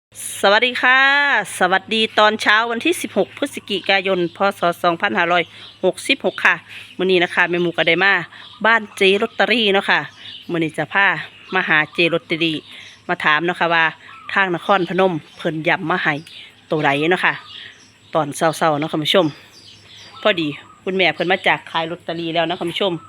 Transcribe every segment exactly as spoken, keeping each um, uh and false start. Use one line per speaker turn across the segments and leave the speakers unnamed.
สวัสดีค่ะสวัสดีตอนเช้าวันที่สิบหกพฤศจิกายนพศสองพันห้าร้อยหกสิบหกค่ะมื้อนี้นะคะแม่หมูก็ได้มาบ้านเจลอตเตอรี่เนาะค่ะมื้อนี้จะพามาหาเจลอตเตอรี่มาถามเนาะค่ะว่าทางนครพนมเพิ่นย้ำมาให้ตัวใดเนาะค่ะตอนเช้าๆเนาะคุณผู้ชมพอดีคุณแม่เพิ่นมาจากขายลอตเตอรี่แล้วนะคุณผู้ชม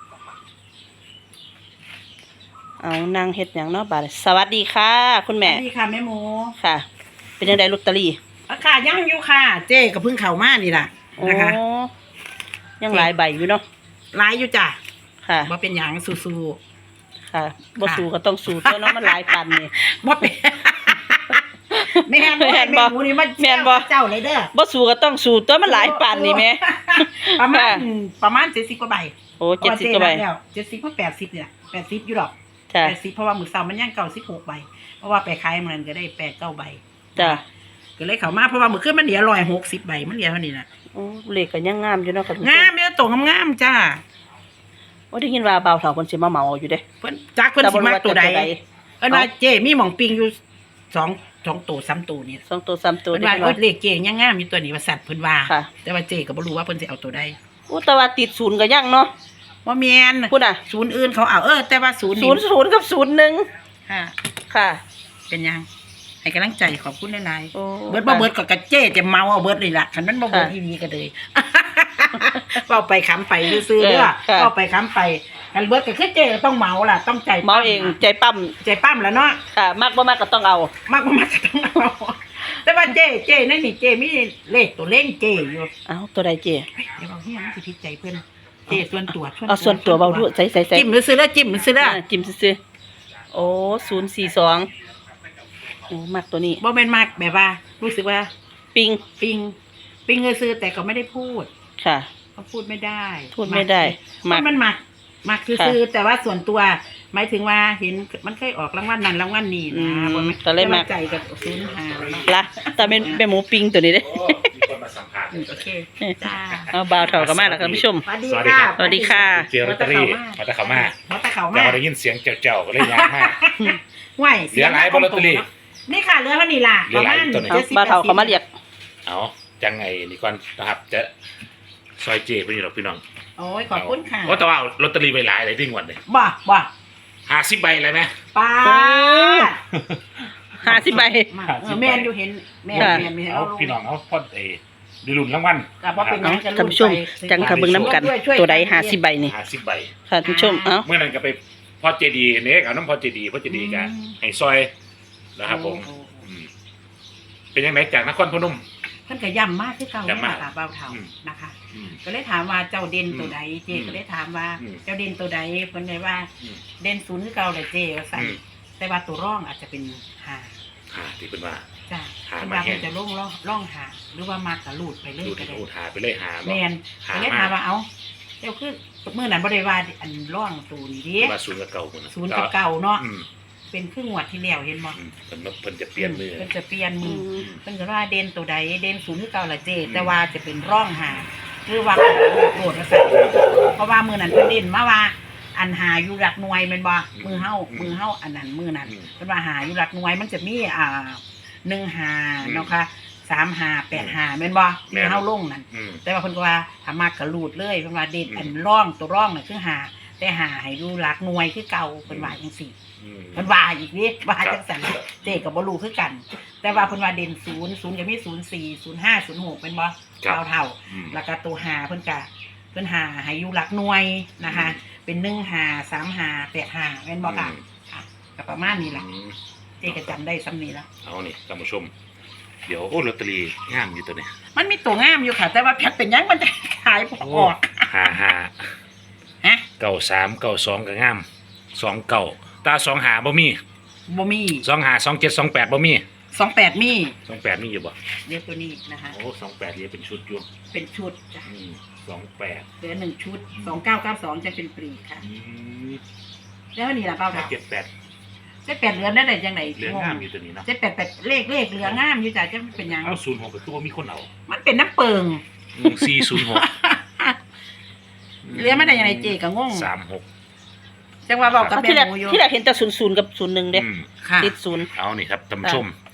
เอานางเฮ็ดหยังเนาะบาดสวัสดีค่ะ คุณแม่
สวัสดีค่ะแม่หมู
ค่ะ เป็นยังไงลอตเตอรี่
อาค่ะยังอยู่ค่ะ เจ๊กับพึ่งเข่ามานี่ล่ะ
โอ้
นะคะ
ยังหลายใบอยู่เนาะ
ร้ายอยู่จ้ะ
ค่ะ
บ่เป็นหยังสู้
ค่ะบ่สู้ก็ต้องสู้ตัวเนาะมันหลายปันนี่
ๆบ่เป็นแม่นบ่
แม่นบ่
แม่หมูนี่มัน
แม่นบ่
เจ้าเลยเด้อ
บ่สู้ก็ต้องสู้ตัวมันหลายปันนี่แม่
ประมาณ
ค่ะ
ประมาณเจ็ดสิบกว่าใบ
โอ้เจ็ดสิบกว่าใบ
เจ็ดสิบกว่าแปดสิบเนี่ยแปดสิบอยู่ดอก
จ้ะ
แปดสิบเพราะว่ามื้อเช้ามันยังเก้าสิบหกใบเพราะว่าไปขายมันก็ได้แปดเก้าใบ
จ้ะ
ก็เลยเข้ามาเพราะว่ามื้อคืนมันเหลือร้อยหกสิบใบมันเหลือเท่านี้น่ะ
โอ้เลขก็ยังงามอยู่เนาะค่ะทุกคน
งามเด้อตรงงามๆจ้า
โอ้ได้ยินว่าบ่าวเฒ่าเพิ่นสิมาเหมาอยู่เด้
เพิ่นจักเพิ่นสิมักตัวใด
แต่บ่รู้ว่าจะตัวใด
เอิ้นว่าเจ้มีหม่องปิงอยู่สองสองตัวสามตัวนี่
สองตัวสามตัว
เพิ่น
ได้
ว่า
ยิน
โอ้
ว่าย
เลขเจ้ยังงามอยู่ตัวนี้ว่าสัตว์เพิ่นว่า
ค่ะ
แต่ว่าเจ้ก็บ่รู้ว่าเพิ่นสิเอาตัวใด
โอ้แต่ว่าติดศูนย์ก็ยังเนาะ
บ่แม่น
พูดน่ะ
ศูนย์อื่นเขาเอาเออแต่ว่าศูนย์
ศูนย์ศูนย์กับศูนย์หนึ่ง
ค่ะ
ค่ะ
เป็นยังให้กำลังใจขอบคุณหลาย
โอ้
ๆเบิดบ่เบิดก็กระเจ้จะเมาเอาเบิดเลยล่ะคันมันบ่เบิด
ค่ะ
อีหลีก็เลย เว้าไปค้ำไปซื่อๆเด้อ
เออค่ะ
เว้าไปค้ำไปคันเบิดก็คือเจ้ก็ต้องเมาล่ะต้องใจ
เมาเองใจปั้ม
ใจปั้มแล้วเนาะ
ค่ะมากบ่มากก็ต้องเอา
มากกว่ามากก็ต้องเอาแต่ว่าเจ้เจ้นั่นนี่เจ้มีเลขตัวเล่งเจ้อยู่
เอาตัวใดเจ
เฮ้ยเดี๋ยวบอกเฮียมันสิผิดใจเพื่อนเจ้ส่วนตัว
เอาส่วนตัวเบาด้วยใส่ใส่ใส่
จิ้มหรือซื้อแล้วจิ้มหรือซื้อแล้ว
จิ้มซื้อๆโอ้ศูนย์สี่สองโอ้มากตัวนี้
บ่แม่นมากแบบว่า รู้สึกว่า
ปิง
ปิงปิงเงยซื้อแต่ก็ไม่ได้พูด
ค่ะ
เขาพูดไม่ได้
พูดไม่ได้
มั
มัก
นมันมักมักคือ
ค่ะ
ซื้อแต่ว่าส่วนตัว หมายถึงว่าเห็นมันเคยออกรางวัลนั้นรางวัลนี้
อื
นะ
ม
บ่แม่น
ก็เลยมัก
แต่ว่าใจกับศูนย์หาเลย
ละแต่เป็นเป็นหมูปิงตัวนี้เด้
โอ้มีคนมาสัมภาษณ์
อืมโอเคจ้า
เอาบ่าวเถากันมาแล้วท่านผู้ชม
สวัสดี
สวัสดี
ค่ะ
ครับ
สวัสดีค่ะ
เจลอตเตอรี่มาตะเขามา
มาตะเขา
แต่
มา
ว่าได้ยินเสียงเจ้าๆก็เลยยางมาก
ไหว
เหลือหลายบ่ลอตเตอรี่
นี่ค่ะเหลือเท่านี้ล่ะ
เหลือหลายตัวไหน
เอาบ่าวเถาเขามาเรียก
เอาจังไงนี่ก่อนนะครับจะซอยเจเป็นอยู่หรอกพี่น้อง
โอ้ยขอบคุณค่ะ
โอ้แต่ว่าเอาลอตเตอรี่ไปหลายเลยดิ้งวันเลย
บ่บ่
ห้าสิบใบเลยไหม
ป้า
โอ้ ห้าสิบใบ
มาเออแมนอยู่เห็นแมน
ค่ะ
แมนมี
เอาพี่น้องเอาพ่อเอดิลุนรางวัล
กับว่าเป็น
เอา
จะ
ท่านผู้ชมจังค่ะเบิ่งน้ำกันตัวใดห้าสิบใบนี่
ห้าสิบใบ
ค่ะท่านผู้ชมเอ้า
เมื่อนั้นก็ไปพ่อเจดีเนี่ยเอาน้ำพ่อเจดีพ่อเจดีกันให้ซอยนะครับผมอืมเป็นยังไงจากนครพนม
เพิ่นก็ย่ำมากที่เก่า
ย่ำมาก
ค่ะเบาเท่า
อืม
นะคะ
อืม
ก็เลยถามว่าเจ้าเด่นตัวใดเจ
อืม
ก็เลยถามว่า
อืม
เจ้าเด่นตัวใดเพิ่นเลยว่า
อืม
เด่นศูนย์คือเก่าเลยเจว่าสั่น
อืม
แต่ว่าตัวร่องอาจจะเป็นหา
หาที่เป็นว่า
จ้ะ
หา
เพิ่น
มา
ว่า
แห้
เพิ่
ง
นจะล่องร่องร่องหาหรือว่ามากกะลูดไปเรื่อย
ดู
ก็
ที่
ได้
โอ้หาไปเลยหา
แม
บ่
น
หา
ก็เลย
มา
ถามว่าเอ้าเจ้าคือมื้อนั้นบ่ได้ว่าอันร่องตูนดิ
ว่าศูนย์กับเก่าคน
ศูนย์กับเก่าเนาะ
อืม
เป็นครึ่งงวดที่แล้วเห็นบ่
อืมเพิ่นเพิ่นจะเปลี่ยนมือ
เพิ่นจะเปลี่ยนมือ
อืม
เพิ่นก็ว่าเด่นตัวใดเด่นศูนย์คือเก่าละเจ
อืม
แต่ว่าจะเป็นร่องหาหรือว่าโกรธว่าซั่นเพราะว่ามื้อนั้นเพิ่นเด่นมาว่า อันหาอยู่หลักหน่วยแม่นบ่มือเฮามือเฮาอันนั้นมือนั้นเพิ่นว่าหาอยู่หลักหน่วยมันจะมีอ่าหนึ่งหาเนาะค่ะสามหาแปดหาแม่นบ่มือเฮาลงนั่น
อืม
แต่ว่าเพิ่นก็ว่าถ้ามากกระลูดเลยเพิ่นว่าเด่น
อืม
อันร่องตัวร่องน่ะคือหาแต่หาให้อยู่หลักหน่วยคือเก่าเพิ่นว่าจังซี่
อืม
เพิ่นว่าอีกนี่ว่า
ครับ
จังซั่นเจ๊ก็บ่รู้คือกัน แต่ว่าเพิ่นว่าเด่นศูนย์ ศูนย์ก็มีศูนย์สี่ ศูนย์ห้า ศูนย์หกเป็นบ่
ครับ
เท่าเท่า
อืม
แล้วก็ตัวหาเพิ่นก็เพิ่นหาให้อยู่หลักหน่วยนะคะ เป็นหนึ่งหาสามหาแปดหาแม่นบ่ค่ะ
อืม
ค่ะก็ประมาณนี้ล่ะ
อืม
เจ๊ก็จำได้ซ้ำนี้ละ
เอานี่ท่านผู้ชม เดี๋ยวโอ้ลอตเตอรี่งามอยู่ตัวนี้
มันมีตัวงามอยู่ค่ะ แต่ว่าแพ็คเป็นหยังมันจะขายบ่ออก
หาหา
ฮะ
เก้าสามเก้าสองก็งามสองเก้าตาสองหาบ่มี
บ่มี
สองหาสองเจ็ดสองแปดบ่มี
สองแปดมี
สองแปดมีอยู่บ่
เดี๋ยวตัวนี้นะคะ
โอ้สองแปดเรียกเป็นชุดอยู่
เป็นชุดจ้ะ
อืมสองแปด
เหลือหนึ่งชุดสองเก้าเก้าสองจะเป็นปรีกค่ะ
อืม
แล้วนี่ล่ะเป้าดาว
เจ็ดแปด
เจ็ดแปดเหลือได้ได้จังไหน
เหลืองามอยู่ตัวนี้เนาะ
เจ็ดแปดแปดเลขเลขเหลืองามอยู่จ้ะจะเป็นหยัง
เอาศูนย์หกก็คือว่ามีคนเอา
มันเป็นน้ำเปิง
สี่ศูนย์หก
เหลือไม่ได้ยังไงเจก็งง
สามหก
จังว่าบอกกับ
เอาที่แร
แม่
ก
หมูอยู่
ที่แรกเห็นแต่ศูนย์ศูนย์กับศูนย์หนึ่งเด้
อืม
ค่ะ
ติดศูนย์
เอานี่ครับท่านผู้ชม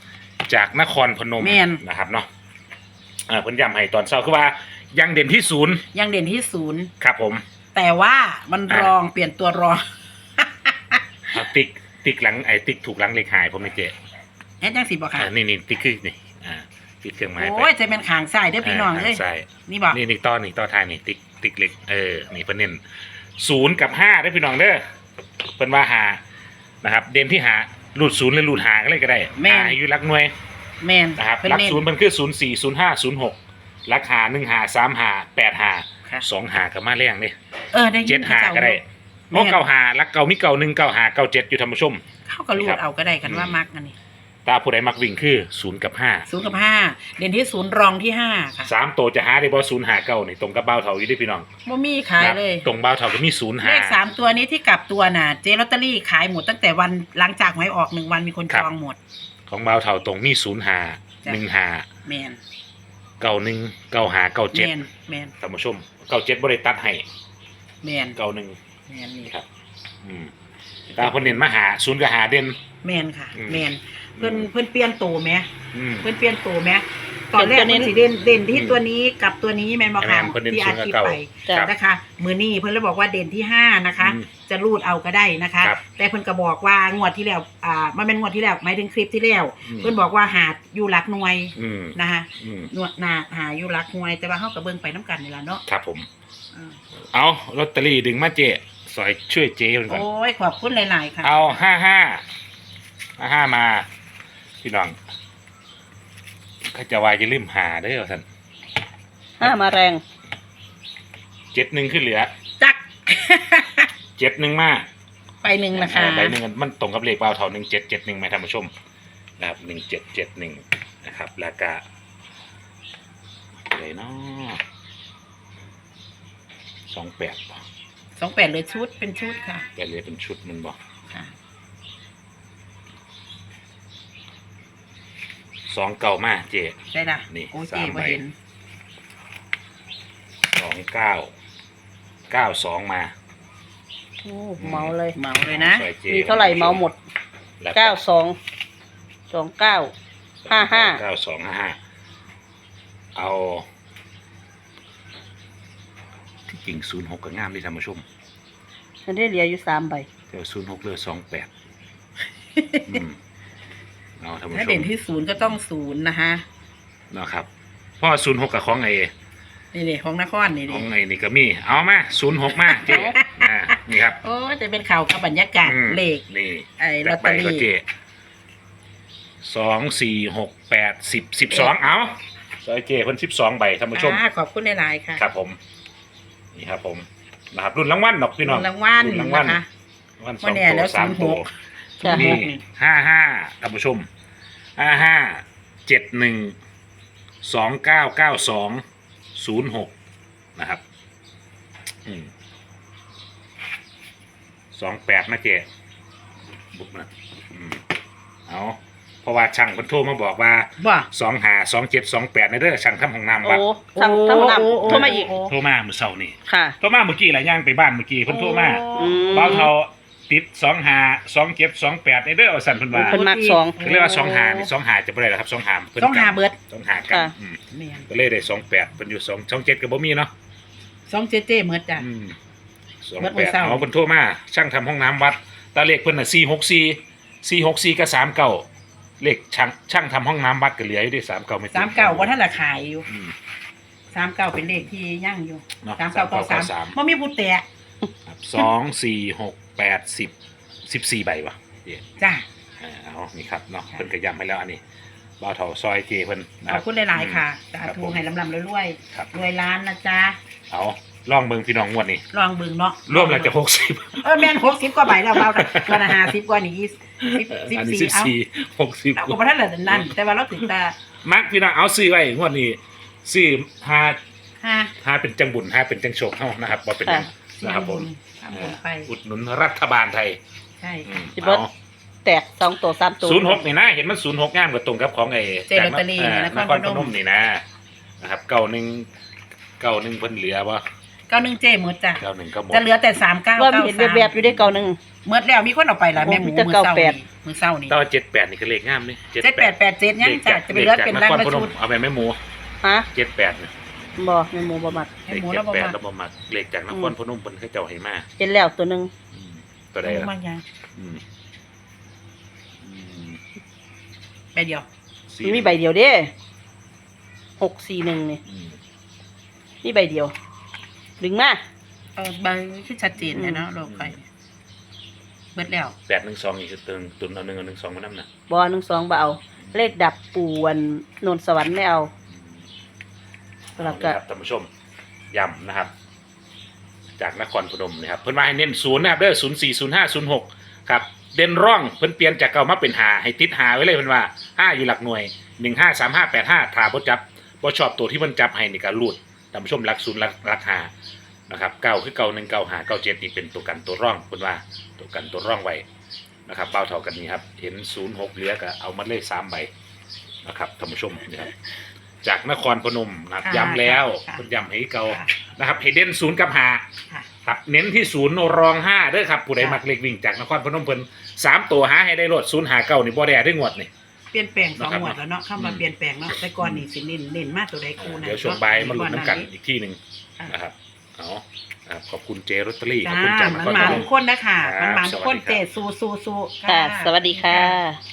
จากนครพนม
แม่น
นะครับเนาะอ่าเพิ่นย้ำให้ตอนเช้าคือว่ายังเด่นที่ศูนย์
ยังเด่นที่ศูนย์
ครับผม
แต่ว่ามัน
อ่ะ
รองเปลี่ยนตัวรอง
เอาติ๊กติ๊กหลังไอ้ติ๊กถูกหลังเลขหายผมนี่เจ๊
แอดจังสิบอกค่ะ
อ่านี่นี่ติ๊กคือนี่อ่าติ๊กเครื่องหมายไป
โอ้ยจะเป็นขางซ้ายเด้อพี่น้องเอ้ย
ใช่
นี่บอก
นี่นี่ต่อนี่ต่อท้ายนี่ติ๊กติ๊กเล็กเออนี่เพิ่นเน้นศูนย์กับห้าได้อพี่น้องเด้อเพิ่นว่าหานะครับ เด่นที่หารูดศูนย์หรือรูดหาก็เลยก็ได้
แม่น
หาอยู่หลักหน่วย
แมน
นะครับ
เพิ่น
หลัก
เน้น
ศูนย์มันคือศูนย์สี่ศูนย์ห้าศูนย์หกหลักหาหนึ่งหาสามหาแปดหา
ค่ะ
สองหากับมาแรงนี่
เออได้ยิ
เจ็ด
น
หา
เขา
ก็ได้
แม่
เพราะ
น
เก้าหาหลักเก่ามีเก่าหนึ่งเก้าหาเก้าเจ็ดอยู่ธรรมชม
เขาก็รู
นี่ครั
ด
บ
เอาก็ได้กันว่า
อืม
มักอันนี้
ตาผู้ใดมักวิ่งคือศูนย์กับห้า
ศูนย์กับห้าเด่นที่ศูนย์รองที่ห้าค่ะ
สามตัวจะหาได้บ่ศูนย์หาเก้านี่ตรงกับเบ้าเถาอยู่เด้วยพี่น้อง
บ่มีขายเลย
ตรงเบ้าเถาก็มีศูนย์
เล
หา
ขสามตัวนี้ที่กลับตัวน่ะเจลอตเตอรี่ขายหมดตั้งแต่วันหลังจากหวยออกหนึ่งวันมีคน
ครั
จ
บ
องหมด
ของเบ้าเถาตรงมีศูนย์หา
จ้ะ
หนึ่งหา
แมน
เก้าหนึ่งเก้าหาเก้า
แม
เจ็ด
นแมน
ท่านผู้ชมเก้าเจ็ดบริตัดให้
แมน
เก้าหนึ่ง
แมนนี่
นี่ครับ อืมตาคนเด่นมาหาศูนย์กับหาเด่น
แมนค่ะ
อืม
แมนเพิ่นเพิ่นเปลี่ยนตัวไหม
อืม
เพิ่นเปลี่ยนตัวไหมตอนแรก
เปลี่
เพิ่
ยนตัวนี้
นสิเด่นเด่นที่
อืม
ตัวนี้กับตัวนี้แมนบอกค่ะ
แม่นเพิ่นเด่น
ที่
ศู
อาน
ย์กับ
ทิต
เก้า
ไป
ครับ
นะคะมือนี้เพิ่นเลยบอกว่าเด่นที่ห้านะคะ
อืม
จะรูดเอาก็ได้นะคะ
ครับ
แต่เพิ่นก็บอกว่างวดที่แล้วอ่ามันเป็นงวดที่แล้วหมายถึงคลิปที่แล้ว
อืม
เพิ่นบอกว่าหาอยู่หลักหน่วย
อืม
นะคะ
อืม
หนวดหนาหาอยู่หลักหน่วย แต่ว่าเฮาก็เบิ่งไปน้ำกันนี่ล่ะเนาะ
ครับผม
อืม
เอาลอตเตอรี่ดึงมาเจสอยช่วยเจ๊มันก่อน
โอ้ยขอบคุณหลายๆค่ะ
เอาห้าห้าห้าห้ามา พี่น้องเขาจะวายจะลืมหาได้อท่าน
ห้ามาแรง
เจ็ดหนึ่งขึ้นเหลือ
จัก
เจ็ดหนึ่งมา
ไปหนึ่งนะคะ
ใบหนึ่งมันตรงกับเลขเปล่าเท่าหนึ่งเจ็ดเจ็ดหนึ่งไหมท่านผู้ชมนะครับหนึ่งเจ็ดเจ็ดหนึ่งนะครับแล้วก็อะไรเนาะสองแปดป่ะ
สองแปดเลยชุดเป็นชุดค่ะ
แปดเลยเป็นชุดมันบอก
ค่ะ
สองเก่ามาเจ
ได้ละ
นี่
โอ้ย
สา
เจ๊
ม
บ่
ใบ
เห็น
สองเก้าเก้าสองมา
โอ้เมาเลย
เหมาเลยนะ
ซอยจ
มีเท่าไหร่เมาหมด
แล้ว
เก้าสองสองเก้า ห้าห้า
เก้าสองห้าห้าเอาที่จริงศูนย์หกก็งามดีท่านผู้ชม
ฉันได้เหลืออยู่สามใบ
เดี๋ยวศูนย์หกเลือสองแปดเอาท่านผู้
ถ้า
ช
เด่
ม
นที่ศูนย์ก็ต้องศูนย์นะคะ
นะครับเพราะศูนย์หกกับของไอ้
นี่เด็ของนครนี่
ข
เด็
องไอ้นี่ก็มี เอามาศูนย์หกมาเจ๊อ่านี่ครับ
โอ้ยจะเป็นข่าวกับบรรยากาศ
อืม
เลข
นี่
ไอ้ลอ
จั
ต
ด
เต
ไป
อ
ก็
รี่
เจ๊สองสี่หกแปดสิบสิบสองเอาซอยเจ๊เพิ่นสิบสองใบท่านผู้ชม
อ่าขอบคุณหลายๆค่ะ
ครับผม นี่ครับผมนะครับรุ่นรางวัลดอกพี่น้อง
รางวัล
รุ่นรางวัล
นะคะ
รางวัลส
วั
อน ง
นี้
ตั
แล้ว ว
สามตัว
จ้ะ
นี่ห้าห้าท่านผู้ชมห้าห้าเจ็ดหนึ่งสองเก้าเก้าสองศูนย์หกนะครับอืมสองแปดนะเจ๊บุกนะอืมเอาเพราะว่าช่างเพิ่นโทรมาบอกว่า
ว่า
สองหาสองเจ็ดสองแปดในเด้อช่างทำห้องน้ำ
โอ้
วัด
สั่งทำน
โอ้
ำโทรมาอีก
โทรมาเมื่อเช้านี่
ค่ะ
โทรมาเมื่อกี้แหละย่างไปบ้านเมื่อกี้เพิ่นโทรมา
อืม
เบ้าเท่าติดสองหาสองเจ็ดสองแปดในเด้อเอาสั่นเพิ่นว่า
เพิ่นมักสอง
ก็เรียกว่าสองหานี่สองหาจะบ่ได้แล้วครับสองหาเพิ่น
ต้องหาเบิด
สองหากัน
ค่ะ
อืม
แม่น
ก็เลยได้สองแปดเพิ่นอยู่สองสองเจ็ดก็บ่มีเนาะ
สองเจเจเมิดจ้ะ
อืมสอง
เบิด
แป
มื้
ด
อเช้า
เอาเพิ่นโทรมาช่างทำห้องน้ำวัดตาเลขเพิ่นน่ะสี่หกสี่ สี่หกสี่กับสามเก้าเลขช่างช่างทำห้องน้ำวัดก็เหลืออยู่ด้วยสามเก้าไม่ถึง
สามเก้าว่าท่านละขายอยู่
อืม
สามเก้าเป็นเลขที่ย่างอยู่
เนาะ
สามเก้าเก้าสาม
สาม
มันมีผู้แตะ
ครับสองสี่หกแปดสิบสิบสี่ใบวะเจ๊
จ้ะ
อ่าเอานี่ครับเนาะเพิ่นก็ย้ำให้แล้วอันนี้บ่าวเถาซอยเจเพิ่นนะ
ข
ค
อ
รั
บบ คุณหลายๆค่ะสา
ครับ
ธุ
ผม
ให้ลำลำรวย
ครับ
ๆรวยล้านนะจ๊ะ
เอาลองเบิ่งพี่น้องงวดนี้
ลองเบิ่งเนาะ
รวมแล้วจะหกสิบ
เออแม่นหกสิบกว่าใบแล้วเบาแต่วันละห้าสิบกว่านี่ยี่สิบสิบ
อันนี้
สี่
สิบ
เอา
สี่หกสิบ
เราก็บ่ทันละนั่นแต่ว่าเราถึงตา
มักพี่น้องเอาซื้อไว้งวดนี้ซื้อหา
ห้า
หาเป็นจังบุญหาเป็นจังโชคเฮานะครับบ่เป็นหยังนะครับผม
ทำบุญไป
อุดหนุนรัฐบาลไทย
ใช่
อืม
สิเบิด
เอา
แตกสองตัวสามตัว
ศูนย์หกนี่นะเห็นมันศูนย์หกงามกับตรงกับของไอ้
เจลอตเตอรี่
จาก
น
น
ค
ค
ร
ร
พ
พ
น
น
ม
มนี่นะนะครับเก้าหนึ่งเก้าหนึ่งเพิ่นเหลือบ่
เก้าหนึ่งเจหมดจ้ะ
เก้าหนึ่งก็หมด
จะเหลือแต่สามเก้า
ว่า
เก้า
เห็น
สาม
แบบๆอยู่ได้เก่าหนึ่ง
เมื่อแล้วมีคนเอาไปละแม่หมู
โอ้มีแต่
มือเศร้า
เก้าแปด
นี่มือเศร้านี่
แต่ว่าเจ็ดแปดนี่ก็เลขงามเลย
เจ็ดแปดแปดเจ็ดยังจ้ะจะไปเลือกเป็น
น
ร่าง
คร
ละ
พน
ชุ
ม
ด
เอาไปแม่หมู
ฮะ
เจ็ดแปดเนี่ย
บ่แม่หมูบ่มัก
ให้
เลข
หมู
เจ็
แล้
ด
วบ่
แปด
มา
แล้วบ่มักเลขจากนครพนมเพิ่นให้เจ้าให้มา
เห็นแล้วตัวหนึง
อืมตัวใด
หมู
ล่ะ
มากยัง
อืมอืม
ไปเดียว
สี่
มีใบเดียวเด้หกสี่หนึ่งนี่
อืม
มีใบเดียว ดึงมา
เออใบที่ชัดเจนเลยเนาะโลกไปเบิดแล้ว
แปดหนึ่งสองอีกคือตึงตุนเอาหนึ่งเอาหนึ่งสองมานํน่ะ
บอหนึ่งสองบ่เอา เลขดับปูวันนนสวรรค์ไม่เอา แล้วก็
เอาละครับท่านผู้ชมย้ำนะครับ จากนครพนมนะครับเพิ่นมาให้เน้นศูนย์นะครับเด้อศูนย์สี่ศูนย์ห้าศูนย์หกครับเด่นร่องเพิ่นเปลี่ยนจากเก่ามาเป็นหาให้ติดหาไว้เลยเพิ่นว่าห้าอยู่หลักหน่วยหนึ่งห้าสามห้าแปดห้าถ้าบ่จับบ่ชอบตัวที่เพิ่นจับให้นี่ก็รูดท่านผู้ชมหลักศูนย์หลักหลักหานะครับเก้าคือเก้าหนึ่งเก้าหาเก้าเจ็ดนี่เป็นตัวกันตัวร่องเพิ่นว่าตัวกันตัวร่องไว้นะครับเป้าเท่ากันนี้ครับเห็นศูนย์หกเหลือก็เอามาเลขสามใบนะครับท่านผู้ชมนะครับจากนครพนมนะครับย้ำแล้วเพิ่นย้ำให้เก่า
ค่ะ
นะครับให้เด่นศูนย์กับหา
ค่ะ
ครับเน้นที่ศูนย์รองห้าเด้อครับผู้ใด
ค่ะ
มักเล็กวิ่งจากนครพนมเพิ่นสามตัวหาให้ได้รถศูนย์หาเก้านี่บ่ได้ได้งวดนี่
เปลี่ยนแปลงสอง
นะครับ
หมวดแล้วเนาะคำว่า
อืม
เปลี่ยนแปลงเนาะแต่ก่อนนี่สิเน้นเน้นมากตัวใดคู่นะ
เดี๋ยวช่วงบ่ายมาลุ้นน้ำกัน
ก่อ
อีกที่หนึ่ง
ค่ะ
นะครับเอาครับขอบคุณเจรตเตอรี่ขอบ
จ้า
คุณจากน
มัน
คร
มา
พน
ทุ
ม
กคนนะคะ
ครับ
มันมาทุกคน
สวัสดีครับ
เจสู้สู้สู้
ค่ะ สวัสดีค่ะ